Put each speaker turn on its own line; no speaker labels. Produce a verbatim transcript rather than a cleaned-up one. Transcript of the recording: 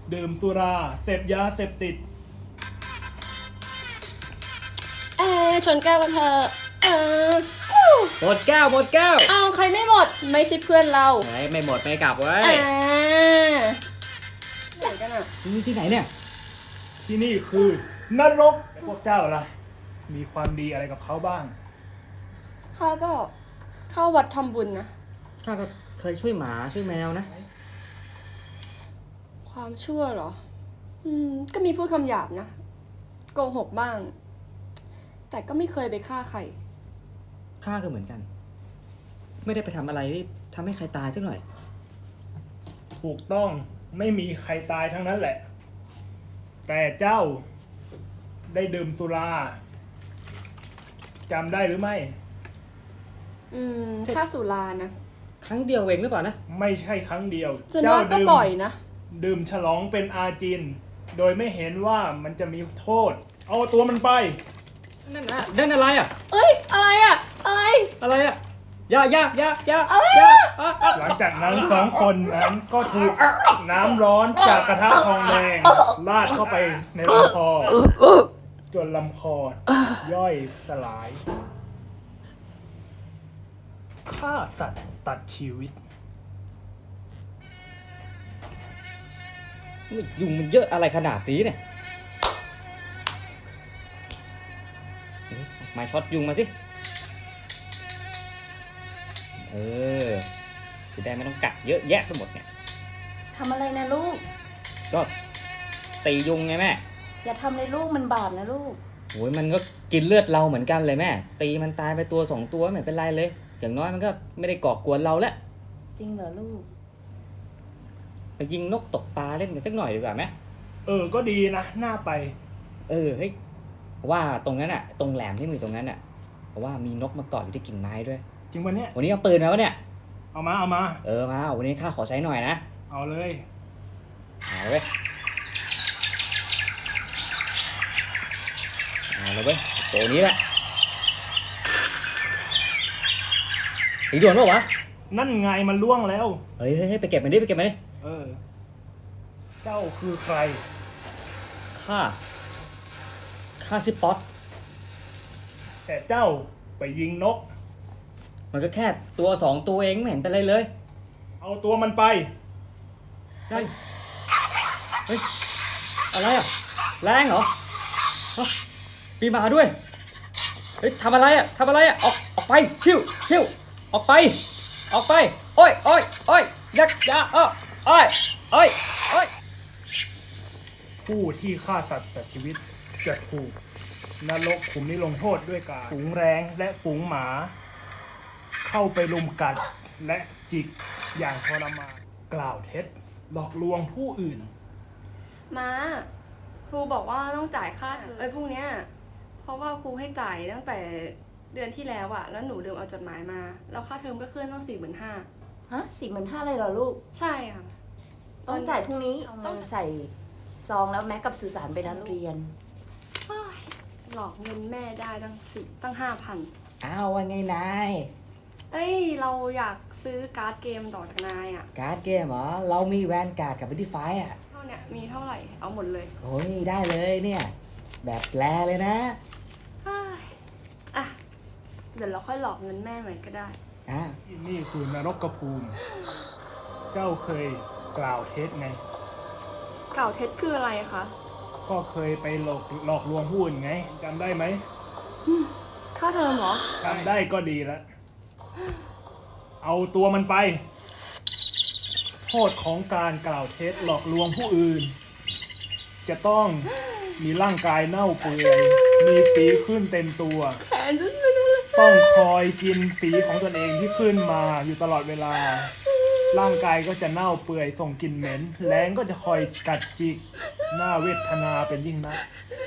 ดื่มสุราเสพยาเสพติด
เออชนแก้วกันเถอะเออ
หมดแก้วหมดแก้ว
เอาใครไม่หมดไม่ใช่เพื่อนเรา
เฮ้ยไม่หมดไม่กลับเว้
อ่
ย
าไหนกันอ่ะ
นี่ที่ไหนเนี่ย
ที่นี่คือนรกพวกเจ้าล่ะมีความดีอะไรกับเขาบ้าง
ข้าก็เข้าวัดทำบุญนะ
ข้าก็เคยช่วยหมาช่วยแมวนะ
ความชั่วเหรอ อืม ก็มีพูดคำหยาบนะ โกหกบ้าง แต่ก็ไม่เคยไปฆ่าใคร
ข้าก็เหมือนกัน ไม่ได้ไปทำอะไรที่ทำให้ใครตายสักหน่อย
ถูกต้องไม่มีใครตายทั้งนั้นแหละ แต่เจ้าได้ดื่มสุราจำได้หรือไม่
อืมฆ่าสุรานะ
ครั้งเดียวเองหรือเปล่านะ
ไม่ใช่ครั้งเดียว
ส่วน
เจ้าม
ากก็
ดื่ม
ปล่อยนะ
ดื่มฉลองเป็นอาจิน โดยไม่เห็นว่ามันจะมีโทษ เอาตัวมันไป
นั่นนะนั่นอะไรอ่ะ
เอ้ย อะไรอ่ะ อะไร
อะไรอ่ะยายายายา
อะไร
ยา
อะ
อ่ะอ่ะ
หลังจากนั้นสองคนนั้นก็ถูกน้ำร้อนจากกระทะทองแดงลาดเข้าไปในลำคอ จนลำคอย่อยสลายฆ่าสัตว์ตัดชีวิต
ยุงมันเยอะอะไรขนาดนี้เนี่ยเอ๊ะไม้ช็อตยุงมาสิ เออ จะได้ไม่ต้องกัดเยอะแยะไปหมดเนี่ย
ทำอะไรนะลูก
ก็ตียุงไงแม่
อย่าทำเลยลูกมันบาปนะลูก
โอ้ยมันก็กินเลือดเราเหมือนกันเลยแม่ ตีมันตายไปตัวสองตัวไม่เป็นไรเลย อย่างน้อยมันก็ไม่ได้ก่อกวนเราแล้ว
จริงเหรอลูก
ไปยิงนกตกปลาเล่นกันสักหน่อยดีกว่าไหม
เออ ก็ดีนะ น่าไป
เออเฮ้ยว่าตรงนั้นอะตรงแหลมที่มือตรงนั้นอะเพราะว่ามีนกมาเกาะอยู่ที่กิ่งไม้ด้วย
จริงปะเนี่ย
วันนี้เอาปืนมาวะเนี่ย
เอามา เอามา
เออมาวันนี้ข้าขอใช้หน่อยนะ
เอาเลย
เอาเว้ยเอาเลยเว้ยตัวนี้แหละตีด่วนปะวะ
นั่นไงมันล่วงแล้ว
เฮ้ยเฮ้ยเฮ้ยไปเก็บมันดิไปเก็บมันดิ
เออ เจ้าคือใคร
ข้าข้าชื่อป๊อต
แต่เจ้าไปยิงนก
มันก็แค่ตัวสองตัวเองไม่เห็นเป็นไรเลย
เอาตัวมันไป
ได้เฮ้ยอะไรอ่ะแรงเหรอฮะมีหมาด้วยเฮ้ยทำอะไรอ่ะทำอะไรอ่ะออกออกไปชิวชิวออกไป ออกไปโอ้ยโอ้ยโอ้ยยักยาอ้อโอ้ยโอ้ยโอ้ย
ผู้ที่ฆ่าสัตว์ตัดชีวิตจะถูกนรกขุมนี้ลงโทษด้วยการฝูงแรงและฝูงหมา เข้าไปลุมกัดและจิกอย่างทรมานกล่าวเท็จหลอกลวงผู้อื่น
มาครูบอกว่าต้องจ่ายค่าเทอมไอ้พวกเนี้ย เพราะว่าครูให้จ่ายตั้งแต่เดือนที่แล้วอะแล้วหนูลืมเอาจดหมายมา แล้วค่าเทอมก็ขึ้นต้องสี่หมื่นห้า
ฮะสี่หมื่นห้าเลยเหรอลูก
ใช่ค่ะ
ต้องจ่ายพรุ่งนี้เอาเงินใส่ซองแล้วแม็กกับสื่อสารไปนะลูกเรียน
เฮ้ยหลอกเงินแม่ได้ตั้งสี่ตั้งห้าพัน
อ้าวว่าไงนาย
เอ้ย เราอยากซื้อการ์ดเกมต่อจากนายอะ
การ์ดเกมเหรอเรามีแวนการ์ดกับวิธีไฟอ่ะ
เท่าเนี้ยมีเท่าไหร่เอาหมดเลย
โอ้ยได้เลยเนี่ยแบบแปลเลยนะ
เฮ้ยอ่ะเดี๋ยวเราค่อยหลอกเงินแม่ใหม่ก็ได้
อ่ะ
นี่คือนรกกระภูมิ เจ้าเคยกล่าวเท็จไง
เก่าเท็จคืออะไรคะ
ก็เคยไปหลอกหลอกลวงผู้อื่นไงจำได้ไหม
ค่าเทอมเหรอ
จำได้ก็ดีแล้ว เอาตัวมันไป โทษของการกล่าวเท็จหลอกลวงผู้อื่น จะต้องมีร่างกายเน่าเปื่อย มีฝีขึ้นเต็มตัว
แขนฉันไม่รู้เลย
ต้องคอยกินฝีของตนเองที่ขึ้นมาอยู่ตลอดเวลา ร่างกายก็จะเน่าเปื่อยส่งกลิ่นเหม็นแรงก็จะคอยกัดจิกหน้าเวทนาเป็นยิ่งนัก